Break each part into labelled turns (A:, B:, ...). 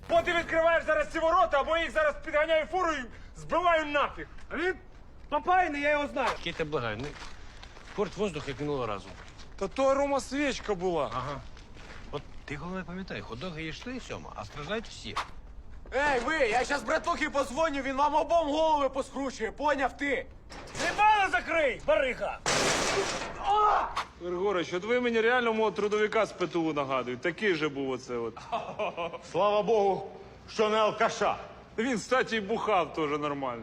A: Бо ти відкриваєш зараз ці ворота, або я їх зараз підганяю фуру і збиваю нафіг. А він попаяний, я його знаю.
B: Кіте, благай, не порть воздух, як минулого разу.
A: Та то Рома свічка була.
B: Ага. От ти головне пам'ятай, хот-доги їшли, Сьома, а страждають всі.
C: Ей, ви, я щас братухі позвоню, він вам обом голови поскручує, поняв ти?
A: Зібало закрий, барига!
D: Григорич, от ви мені реально мого трудовика з ПТУ нагадують. Такий же був оце от.
E: Слава Богу, що не алкаша.
D: Він, кстати, і бухав теж нормально.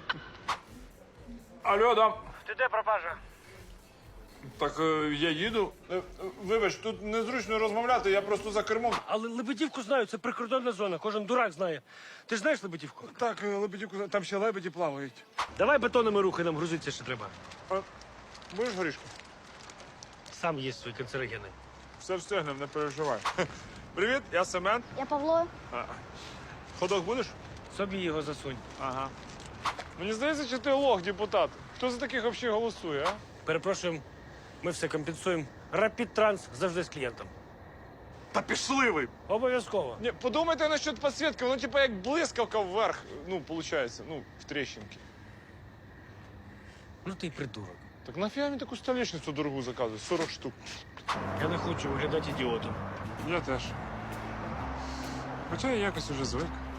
D: Алло, дам.
A: Ти де пропажа?
D: Так я їду. Вибач, тут незручно розмовляти, я просто за кермом.
A: Але Лебедівку знаю, це прикордонна зона, кожен дурак знає. Ти ж знаєш Лебедівку?
D: Так, Лебедівку, там ще лебеді плавають.
A: Давай бетонними рухи, нам грузитися ще треба.
D: Будеш горішку?
A: Сам є свої канцерогени.
D: Все встигнем, не переживай. Привіт, я Семен.
F: Я Павло.
D: Ходок будеш?
A: Собі його засунь.
D: Ага. Мені здається, що ти лох, депутат. Хто за таких взагалі голосує, а?
A: Перепрошуємо, ми все компенсуємо. Рапід Транс завжди з клієнтом.
D: Та пішли ви!
A: Обов'язково.
D: Ні, подумайте насчет підсвітки, воно типа як блискавка вверх, ну, виходить, ну, в тріщинки.
A: Ну ти й придурок.
D: Так нафіга мені таку столешницю дорогу заказує? 40 штук.
A: Я не хочу виглядати ідіотом.
D: Я теж. Хоча я якось уже звик.